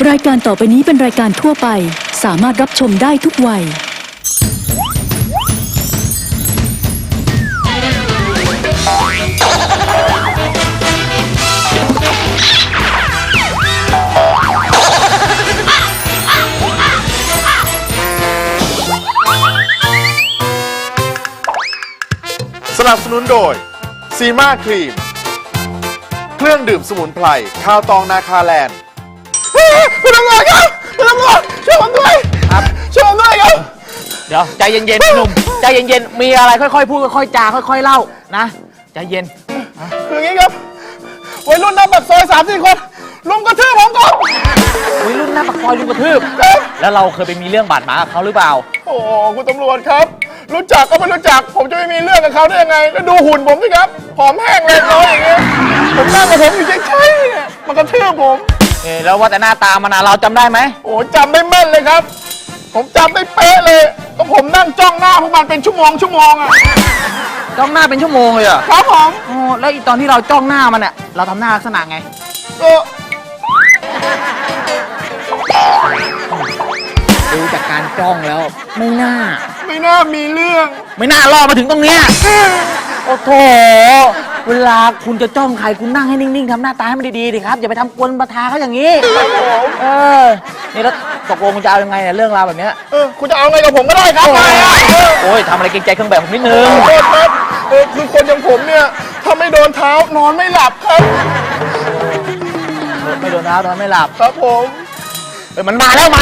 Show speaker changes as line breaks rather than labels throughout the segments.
รายการต่อไปนี้เป็นรายการทั่วไปสามารถรับชมได้ทุกวัย
สนับสนุนโดยซีมาครีมเครื่องดื่มสมุนไพรข้าวตองนาคาแลนด์คุณตำรวจครับคุณตำรวจช่วยผมด้วยครับช่วยผมด้วยครับ
เดี๋ยวใจเย็นๆหนุ่มใจเย็นๆมีอะไรค่อยๆพูดค่อยๆจาค่อยๆเล่านะใจเย็น
คืออย่างนี้ครับวัยรุ่นหน้าปากซอย3-4 คนลุมกระทืบผมก่อน
วัยรุ่นหน้าปากซอยลุมกระทืบแล้วเราเคยไปมีเรื่องบาดหมางกับเขาหรือเปล่า
โอ้คุณตำรวจครับรู้จักก็ไม่รู้จักผมจะไม่มีเรื่องกับเขาได้ยังไงแล้วดูหุ่นผมสิครับผอมแห้งเลยน้อยอย่างเงี้ยผมนั่งกับผมอยู่ใช่ๆมันกระทืบผม
แล้วว่าแต่หน้าตามันเราจำได้ไหม
โอ้จำได้แม่นเลยครับผมจำได้เป๊ะเลยก็ผมนั่งจ้องหน้าพวกมันเป็นชั่วโมงอะ
จ้องหน้าเป็นชั่วโมงเลยเหรอ
ครับผม
แล้วตอนที่เราจ้องหน้ามันเนี่ยเราทำหน้าลักษณะไงดูจากการจ้องแล้วไม่น่า
มีเรื่อง
ไม่น่าล่อมาถึงตรงเนี้ยโอ้โถเวลาคุณจะจ้องใครคุณนั่งให้นิ่งๆทำหน้าตาให้มันดีๆดิครับอย่าไปทำกวนประทาเขาอย่างนี้นี่แล้วตกลงคุณจะเอายังไงเนี่ยเรื่องราวแบบนี้
คุณจะเอาไงกับผมก็ได้ครับ
โอ้ยทำอะไรเกรงใจเครื่องแบบผมนิดนึง
ครับคือคนอย่างผมเนี่ยถ้าไม่โดนเท้านอนไม่หลับครับ
ไม่โดนเท้านอนไม่หลับ
ครับผม
มันมาแล้ว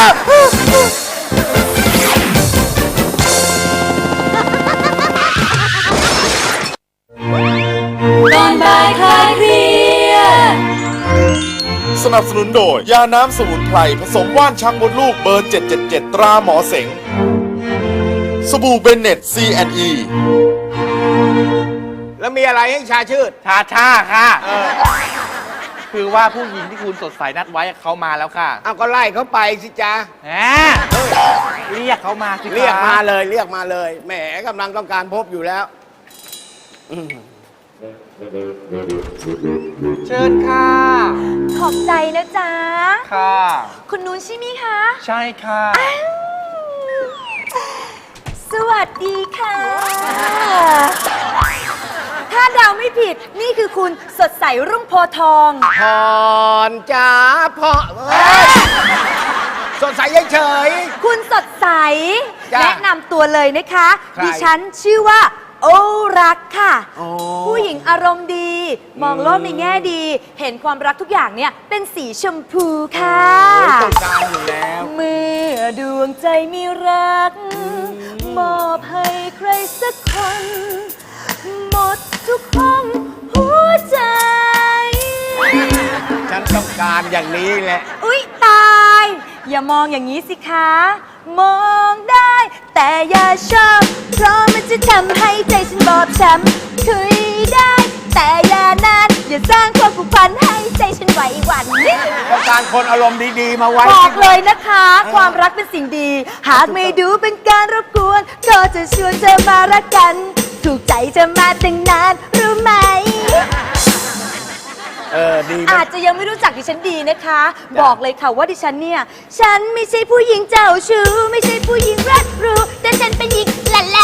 ตอนบ่ายคลายเครียด
สนับสนุนโดยยาน้ำสมุนไพรผสมว่านชักมดลูกเบอร์777ตราหมอเสงสบู่เบนเน็ต C&E
แล้วมีอะไรให้ชาชื่น
ชาค่ะคือว่าผู้หญิงที่คุณสดใสนัดไว้เขามาแล้วค่ะ
เอาก็ไล่เขาไปสิจ๊ะ
เรียกเขามาสิ
เรียกมาเลยแหมกำลังต้องการพบอยู่แล้ว
เชิญค่ะ
ขอบใจนะจ๊ะ
ค่ะ
คุณนุ้นใช่ไหมคะ
ใช่ค่ะ
สวัสดีค่ะถ้าเดาไม่ผิดนี่คือคุณสดใสรุ่งโพทอง
พรจ้าพ่อสดใสเฉย
คุณสดใสแนะนำตัวเลยนะคะดิฉันชื่อว่าโอรักค่ะผู้หญิงอารมณ์ดีมองโลกในแง่ดีเห็นความรักทุกอย่างเนี่ยเป็นสีชมพูค่ะ
ต้องการอยู่แล้ว
เมื่อดวงใจมีรักมอบให้ใครสักคนหมดทุกห้องหัวใจ
ฉันต้องการอย่างนี้แหละ
อุ๊ยตายอย่ามองอย่างนี้สิคะมองได้แต่อย่าชอบเพราะมันจะทำให้ใจฉันบอบช้ำคุยได้แต่อย่านานอย่าสร้างความผูกพันให้ใจฉันไหวหวั่น
ต้องการคนอารมณ์ดีๆมาไว้
บอกเลยนะคะความรักเป็นสิ่งดีหากไม่ดูเป็นการรบกวนก็จะชวนเธอมารักกันถูกใจจะมาตั้งนานรู้ไหม
ดี
อาจจะยังไม่รู้จักดิฉันดีนะคะบอกเลยค่ะว่าดิฉันเนี่ยฉันไม่ใช่ผู้หญิงเจ้าชู้ไม่ใช่ผู้หญิงรักรู้แต่ฉันเป็นหญิงละแล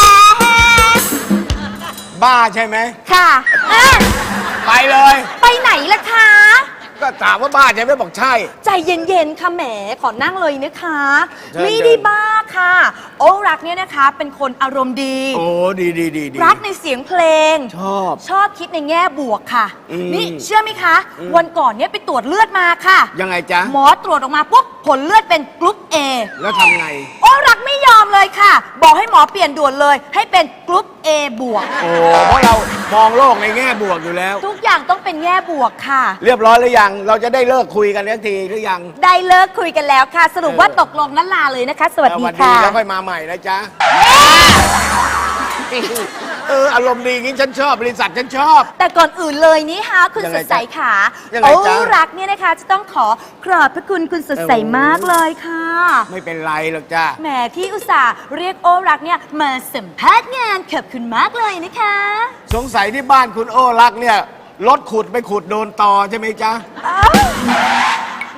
บ้าใช่ไหม
ค่ะ
ไปเลย
ไปไหนล่ะคะ
ก็ถามว่าบ้าใช่ไหมบอกใช่
ใจเย็นๆค่ะแหมขอนั่งเลยนะคะไม่ได้บ้าค่ะโอ้รักเนี่ยนะคะเป็นคนอารมณ์ดี
โอ้ดี
รักในเสียงเพลงชอบคิดในแง่บวกค่ะนี่เชื่อไหมคะวันก่อนเนี่ยไปตรวจเลือดมาค่ะ
ยังไงจ๊ะ
หมอตรวจออกมาปุ๊บผลเลือดเป็นกรุ๊ป A
แล้วทำไง
โอ้รักไม่ยอมเลยค่ะบอกให้หมอเปลี่ยนด่วนเลยให้เป็นกรุ๊ป A บวก
โอ้เพราะเรามองโลกในแง่บวกอยู่แล้ว
ทุกอย่างต้องเป็นแง่บวกค่ะ
เรียบร้อยหรือยังเราจะได้เลิกคุยกันทันทีหรือยัง
ได้เลิกคุยกันแล้วค่ะสรุปว่าตกลงนั่นลาเลยนะคะสวัสดีค่ะ
แล้วค่อยมาใหม่นะจ๊ะอารมณ์ดีงี้ฉันชอบบริษัทฉันชอบ
แต่ก่อนอื่นเลยนี่ฮะคุณสดใสขาโอ้รักเนี่ยนะคะจะต้องขอบพระคุณคุณสดใสมากเลยค่ะ
ไม่เป็นไรหรอกจ้ะ
แหมที่อุตส่าห์เรียกโอรักเนี่ยมาสัมภาษณ์งานขอบคุณมากเลยนะคะ
สงสัยที่บ้านคุณโอรักเนี่ยรถขุดไปขุดโดนตอใช่ไหมจ๊ะ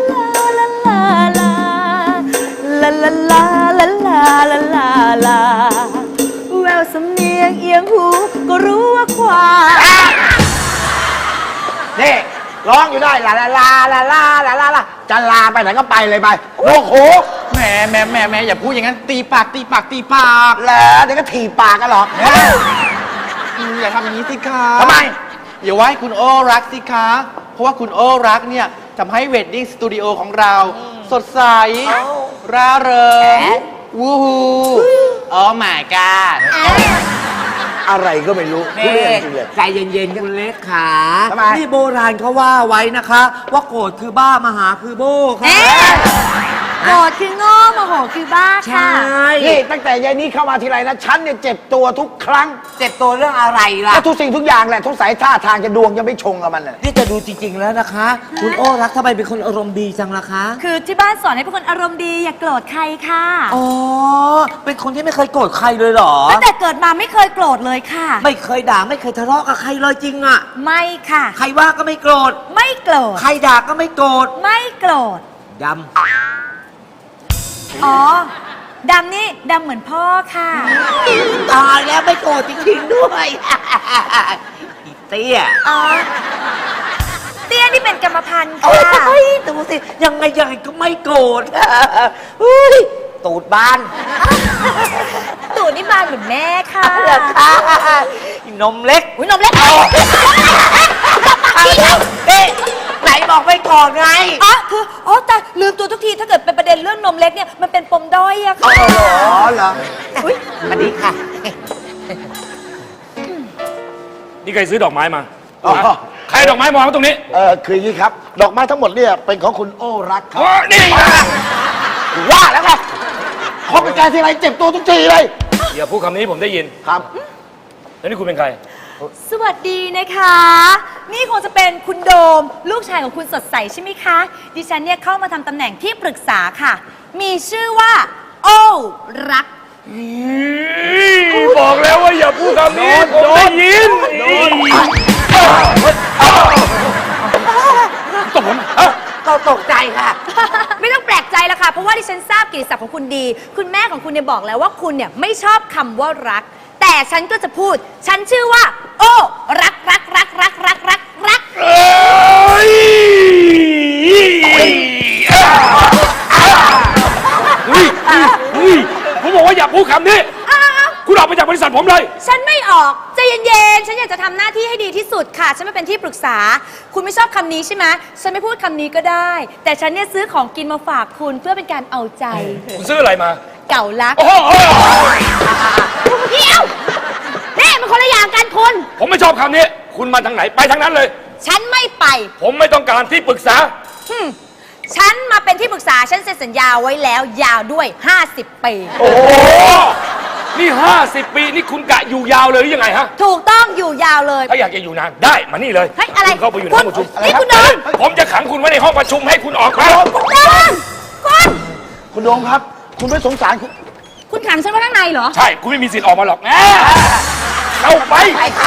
ลาลาลาลาลาลาลาลาแววสำเนียงเอียงหูก็รู้ว่าควาย
นี่ร้องอยู่ได้ลาลาลาลาลาลาลาลาจะลาไปไหนก็ไปเลยไปโอ้โหแหมอย่าพูดอย่างนั้นตีปากแล้วเดี๋ยวก็ถีบปากกันหรอก
อย่าทำอย่างนี้สิคะ
ทำไม
อย่าว่าให้คุณโอ้รักสิคะ เพราะว่าคุณโอ้รักเนี่ยทำให้เวดดิ้งสตูดิโอของเรา สดใส ร่าเริง วูฮูโอ้ my god
อะไรก็ไม่รู้พูด
นี่
เรื่องจริงเลย
ใจเย็นๆคุณเล็กขา
ทำไม
นี่โบราณเขาว่าไว้นะคะ ว่าโกรธคือบ้ามหาคือโบค่ะ
โกรธคือโง่โมโหคือบ้าค่ะ
นี่ตั้งแต่ยายนี้เข้ามาทีไรนะฉันเนี่ยเจ็บตัวทุกครั้ง
เจ็บตัวเรื่องอะไรล่ะ
ก็ทุกสิ่งทุกอย่างแหละทุกสายท่าทางจะดวงจะไม่ชงกับมันน่ะ
นี่จะดูจริง ๆ แล้วนะคะ คุณโอ้รักทำไมเป็นคนอารมณ์ดีจังล่ะคะ
คือที่บ้านสอนให้เป็นคนอารมณ์ดีอย่าโกรธใครค่ะ
อ๋อ เป็นคนที่ไม่เคยโกรธใครเลยเหรอ
ตั้งแต่เกิดมาไม่เคยโกรธเลยค่ะ
ไม่เคยด่าไม่เคยทะเลาะกับใครเลยจริงอะ
ไม่ค่ะ
ใครว่าก็ไม่โกรธ
ไม่โกรธ
ใครด่าก็ไม่โกรธ
ไม่โกรธ
ด
อ๋อ ดำนี่ดำเหมือนพ่อค่ะ
ำตายแล้วไม่โกรธจริงๆด้วย อีเตี้ย
อ๋อ เตี้ยนี่เป็นกรรมพันธุ์
โอ้
ค่ะ
ยดูสิยังไงก็ไม่โกรธเฮ้ยตูดบาน
ตูดนี่บานเหมือนแม่ค่ะ
เหรอคะนมเล็ก
อุ้ยนมเล็ก
เอ๊ะไหนบอกไม่โกรธไง
อ๋อคืออ๋อแต่ลืมตัวทุกทีถ้าเกิดเป็นประเด็นเรื่องนมเล็กเนี่ยมันเป็นปมด้อยอะค่ะ
อ๋อเหรอ
อุ๊ย
สวัสดีค่ะ
นี่ใครซื้อดอกไม้มา
อ๋อ
ใครเอาดอกไม้มาวางไว้ตรงนี้
คืออย่างนี้ครับ ดอกไม้ทั้งหมดเนี่ยเป็นของคุณโอ้รักครับ
โอ้นี่ไง
ว่าแล้วไงพอเป็นการที่ไรเจ็บตัวทุกทีเลย
อย่าพูดคำนี้ผมได้ยิน
ครับ
แล้วนี่คุณเป็นใคร
สวัสดีนะคะ นี่คงจะเป็นคุณโดม ลูกชายของคุณสดใสใช่ไหมคะ ดิฉันเนี่ยเข้ามาทำตำแหน่งที่ปรึกษาค่ะ มีชื่อว่า โอ้รัก
บอกแล้วว่าอย่าพูดคำนี้ผมได้ยินตบผมฮะ
ก็ตกใจค่ะ
ไม่ต้องแปลกใจละค่ะ เพราะว่าดิฉันทราบกิตติศัพท์ของคุณดี คุณแม่ของคุณเนี่ยบอกแล้วว่าคุณเนี่ยไม่ชอบคำว่ารัก แต่ฉันก็จะพูด ฉันชื่อว่า โอ้รักรักรักรักรักรักรัก
เอ้ยเฮ้ยผมบอกว่าอย่าพูดคำนี้
อ้าว
คุณออกไปจากบริษัทผมเลย
ฉันไม่ออกใจเย็นๆ ฉันอยากจะทำหน้าที่ให้ดีที่สุดค่ะ ฉันไม่เป็นที่ปรึกษา คุณไม่ชอบคำนี้ใช่ไหมฉันไม่พูดคำนี้ก็ได้ แต่ฉันเนี่ยซื้อของกินมาฝากคุณเพื่อเป็นการเอาใจ
คุณซื้ออะไรมา
เก่ารัก
โอ้โห
เดี๋ยวนี่มันคนละอย่างกันคุณ
ผมไม่ชอบคำนี้ คุณมาทางไหนไปทางนั้นเลย
ฉันไม่ไป
ผมไม่ต้องการที่ปรึกษา
ฉันมาเป็นที่ปรึกษา ฉันเซ็นสัญญาไว้แล้วยาวด้วย 50 ปี
โอ้โห นี่ 50 ปี นี่คุณกะอยู่ยาวเลยหรือยังไงฮะ
ถูกต้องอยู่ยาวเลย
ถ้าอยากจะอยู่นานได้ มานี่เลย
เฮ้ยอะไร
คุณเข้าไปอยู่ในห้องประชุม
นี่คุณโดม
ผมจะขังคุณไว้ในห้องประชุมให้คุณออกมา
คุณโดมคุณ
คุณโดมครับ คุณไม่สงสารคุณ
คุณขังฉันไว้ข้างในเหรอ
ใช่ คุณไม่มีสิทธิ์ออกมาหรอกแน่เข้าไป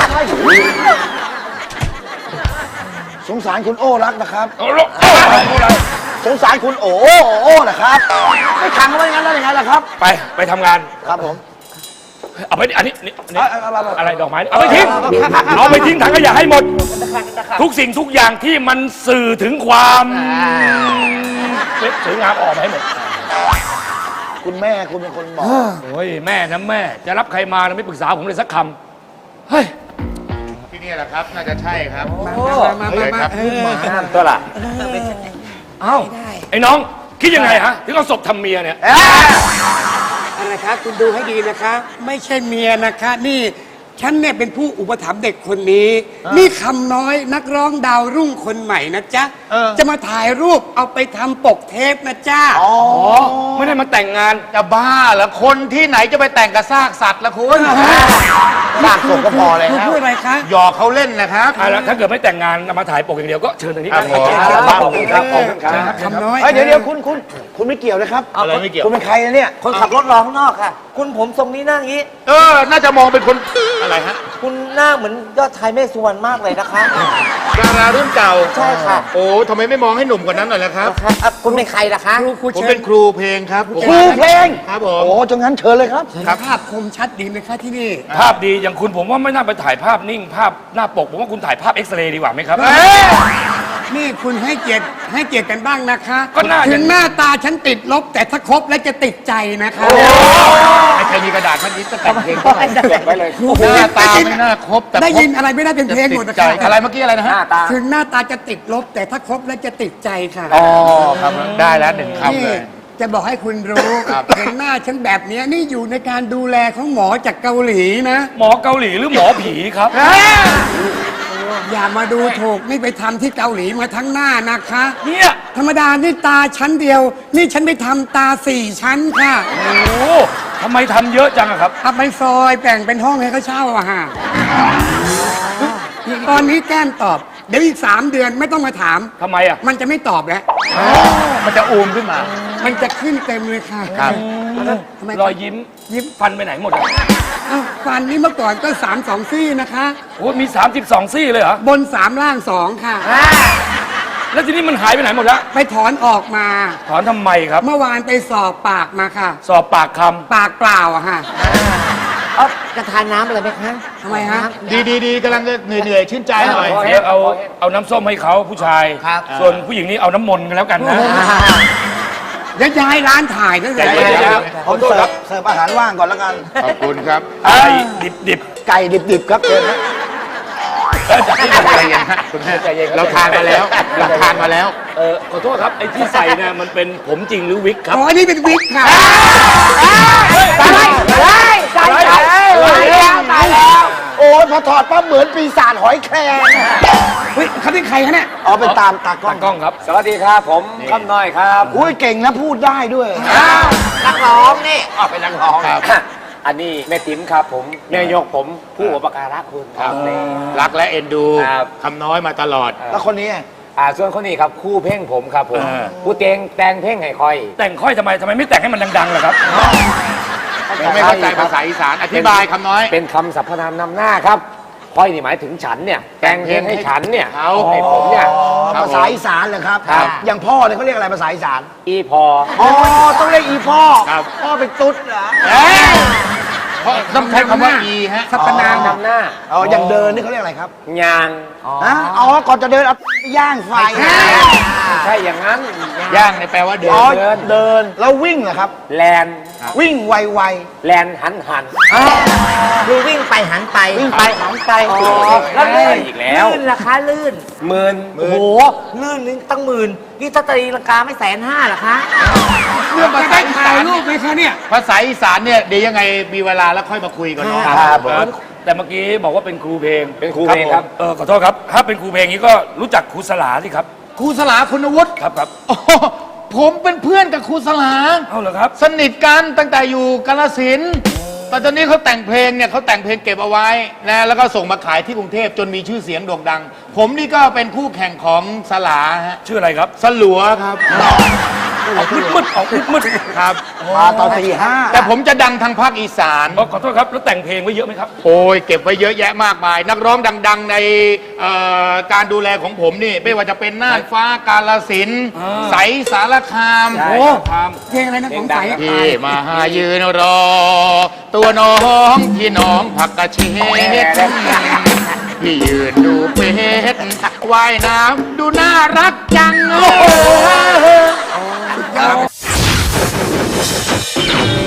สงสารคุณโอ้รักนะครับ
เอาละ
สงสารคุณโอ้นะครับไม่ขังเอาไว้งั้นแล้วยังไงล่ะครับ
ไปทำงาน
ครับผม
เอาไปอันนี้นี่
เอา
อะไรดอกไม้ เอาไปทิ้ง เอาไปทิ้งถังขยะให้หมด ทุกสิ่งทุกอย่างที่มันสื่อถึงความสวยงามออกมาให้หมด
คุณแม่คุณเป็นคนบอก
โอ้ยแม่นะแม่ จะรับใครมาไม่ปรึกษาผมเลยสักคำเฮ้ย
ที่นี่แหละครับ น่าจะใช่ครับ
มา
เลยครับ
ตัวละ
เอ้าไอ้น้องคิดยังไงฮะ ถึงเอาศพทำเมียเนี่ย
อะไรคะคุณดูให้ดีนะคะ ไม่ใช่เมียนะคะ นี่ฉันเนี่ยเป็นผู้อุปถัมภ์เด็กคนนี้ นี่คำน้อยนักร้องดาวรุ่งคนใหม่นะจ๊ะ จะมาถ่ายรูปเอาไปทำปกเทปนะจ๊ะ
อ๋อ ไม่ได้มาแต่งงาน
จะบ้าเหรอคนที่ไหนจะไปแต่งกับซากสัตว์ละคุณ
ลากศพก็พอเลย
คุณ
นะ
พูดอะไรคะ
หยอกเขาเล่นนะครับ
แล้วถ้าเกิดไม่แต่งงานมาถ่ายปกอย่างเดียวก็เชิญทางนี้
ครับผม
ขอบคุณครับขอบคุณครับ
คำน้อย
เฮ้ยเดี๋ยวคุณไม่เกี่ยวนะครับ
อะไรไม่เกี่ยว
คุณเป็นใครนะเนี่ย
คนขับรถรอข้างนอกค่ะ คุณผมทรงนี้นั่งงี้
น่าจะมองเป็นคนอะไรฮะ
คุณหน้าเหมือนยอดชายเมฆสุวรรณมากเลยนะคะ
ดารารุ่นเก่า
ใช่ค่ะ
โอ้ทำไมไม่มองให้หนุ่มกว่านั้นหน่อยล่ะครับ
คุณเป็นใครล่ะคะ
ครู
ผม
เชิ
เป็
ญ
นครูเพลงครับผม
ครูเพลง
ครับผม
โอ้จังงั้นเชิญเลยครับ
ภาพคมชัดดีไหมคะที่นี่
ภาพดีอย่างคุณผมว่าไม่น่าไปถ่ายภาพนิ่งภาพหน้าปกผมว่าคุณถ่ายภาพเอ็กซเรย์ดีกว่าไหมครับ
นี่คุณให้เกียรติกันบ้างนะคะ
ก็น่าจะ
ถึงหน้าตาฉันติดลบ แต่ถ้าครบแล้วจะติดใจนะคะ
ใครมีกระดาษมันนี้จะแต่งเพลงเท่าไหร่เก็บไว้เลยหน้าตาไม่น่าครบแต่
ได้ยินอะไรไม่ได้เป็นเพลงหมด
ติ
นะ
ดใจ
คะ
อะไรเมื่อกี้อะไรนะฮะ
ถึงหน้าตาจะติดลบ แต่ถ้าครบแล้วจะติดใจค่ะ
อ๋อครับได้แล้วหนึ่งคำ
นี่
เลย
จะบอกให้คุณรู้
ครับ
เห็นหน้าฉันแบบเนี้ยนี่อยู่ในการดูแลของหมอจากเกาหลีนะ
หมอเกาหลีหรือหมอผีครับ
หอย่ามาดูถูกนี่ไปทำที่เกาหลีมาทั้งหน้านะคะ
เนี่ย
ธรรมดานี่ตาชั้นเดียว นี่ฉันไปทำตา4 ชั้นค่ะ
โอ้โหทำไมทำเยอะจังอะครับ
เอาไปซอยแบ่งเป็นห้องให้เขาเช่าอะฮะตอนนี้แก้มตอบ เดี๋ยวอีก3 เดือนไม่ต้องมาถาม
ทำไมอะ
มันจะไม่ตอบแล้ว
มันจะอูมขึ้นมา
มันจะขึ้นเต็มเลยค่ะ
ครับ
ทำไม
รอยยิ้ม
ยิ้ม
ฟันไปไหนหมดอะ
อ้าวฟันนี่เมื่อก่อนก็3 2 ซี่นะคะ
โอ้มี32 ซี่เลยเหรอ
บน3ล่าง2ค่ะ
แล้วทีนี้มันหายไปไหนหมดแล้ว
ไปถอนออกมา
ถอนทำไมครับ
เมื่อวานไปสอบปากมาค่ะ
สอบปากค
ปากเปล่าอะค่ะ
เอาจะทานน้ำอะไรไหมคะ
ทำไมฮะ
ดีกำลังจะเหนื่อยชื่นใจหน่อย
ำเดี๋ยวเอาน้ำส้มให้เขาผู้ชาย
ครับ
ส่วนผู้หญิงนี่เอาน้ำมนต์กันแล้วกันนะ
เดี๋ยวย้ายร้านถ่ายนั่นแหละ
ใจเย็นๆครับ
ผมเสิร์ฟอาหารว่างก่อนแล้วกัน
ขอบคุณครับ
ไอ้ดิบ
ไก่ดิบๆครับเชิญนะ
ใจเย็นฮะคุณแม่เราทานมาแล้วเราทานมาแล้ว
ขอโทษครับ ไอ้ที่ใส่เนี่ยมันเป็นผมจริงหรือวิกครับ
อ๋อนี่เป็นวิกค่ะ
ตายแล้ว
โอ้ยพอถอดปั๊บเหมือนปีศาจหอยแครง
เฮ้ยเขาเป็นใครคะเนี่ย
เอาเป็นตามตากล้อง
ตากล้องครับ
สวัสดีครับ ผมคำน้อยครับ
อุ้ยเก่งนะพูดได้ด้วย
นักร้องนี่
เป็นนักร้อง
ครับ
อันนี้แม่ติ๋มครับผมแม่ยกผมผู้อุปการะคุณครับ
รักและเอ็นดู
ครับ
คำน้อยมาตลอด
แล้วคนนี้
ส่วนคนนี้ครับคู่เพ่งผมครับผม
อ่า
ผู้แต่งเพ่งให้คอย
แต่งค่อยทำไมไม่แต่งให้มันดังๆล่ะครับ
ไม่เข้าใจภาษาอีสาน อธิบายคำน้อย
เป็นคำสรรพนามนำหน้าครับคอยนี่หมายถึงฉันเนี่ย แต่งเพลงให้ฉันเนี่ย
เขา
ให้ผมเนี่ย
ครับ
ภาษาอีสานเหรอครับ
ครับ
อย่างพ่อเนี่ยเขาเรียกอะไรภาษาอีสาน
อีพอ
อ๋อ ต้องเรียกอีพ่อ
ครับ
พ่อเป็นตุ๊ดเหรอ
เพราะต้องใช้คำว่าอีฮะ
สรรพนาม
นำหน้า
อ๋อ อย่างเดินนี่เขาเรียกอะไรครับ
ยาง
ฮะอ๋อ ก่อนจะเดินเอาย่างไฟ
ใช่อย่างนั้น
ย่างในแปลว่าเดิ
อ๋อน เดิน แล้ววิ่งเหรอครับ
แลน
วิ่งไว
แลนหัน
คือวิ่งไปหันไป
ๆ วิ่งไปหันไป
แล้วลื่น
อีกแล้ว
ลื่นราคาลื่น
หมื่น
โอ้โห ลื่นนึงตั้งหมื่นนี่ถ้าตีลังกาไม่150,000เหรอคะ
เรื่องภาษาถ่ายรูปไหมคะเนี่ย
ภาษาอีสานเนี่ยเดี๋ยวยังไงมีเวลาแล้วค่อยมาคุยกันเนาะ
ครับผม
แต่เมื่อกี้บอกว่าเป็นครูเพลง
เป็นครูเพลงครับ
ขอโทษครับ ถ้าเป็นครูเพลงนี้ก็รู้จักครูสลาสิครับ
ครูสลาคุณวุฒิ
ครับ
โอ้โหผมเป็นเพื่อนกับครูสลา
เอาเหรอครับ
สนิทกันตั้งแต่อยู่กาฬสินธุ์แต่ตอนนี้เขาแต่งเพลงเนี่ยเขาแต่งเพลงเก็บเอาไว้นะแล้วก็ส่งมาขายที่กรุงเทพจนมีชื่อเสียงโด่งดัง ผมนี่ก็เป็นคู่แข่งของสลาฮะ
ชื่ออะไรครับ
สลัวครับ
ออกมืดๆออกมืด
ครับ
มาตอนตีห้า
แต่ผมจะดังทางภาคอีสาน
ๆขอโทษครับ แล้วแต่งเพลงไว้เยอะไหมครับ
โอ้ยเก็บไว้เยอะแยะมากมาย นักร้องดัง ๆ ในการดูแลของผมนี่ไม่ว่าจะเป็นน่านฟ้ากาลสินธุ์
อ่า
ใสสารคาม
ใช่
โอ้
ครับ
เพลงอะไรนะของใสอะ
พี่มาหายืนรอ ตัวน้องพี่น้องผักกระเฉดพี่ยืนดูเป็ดว่ายน้ำดูน่ารักจัง
ยอด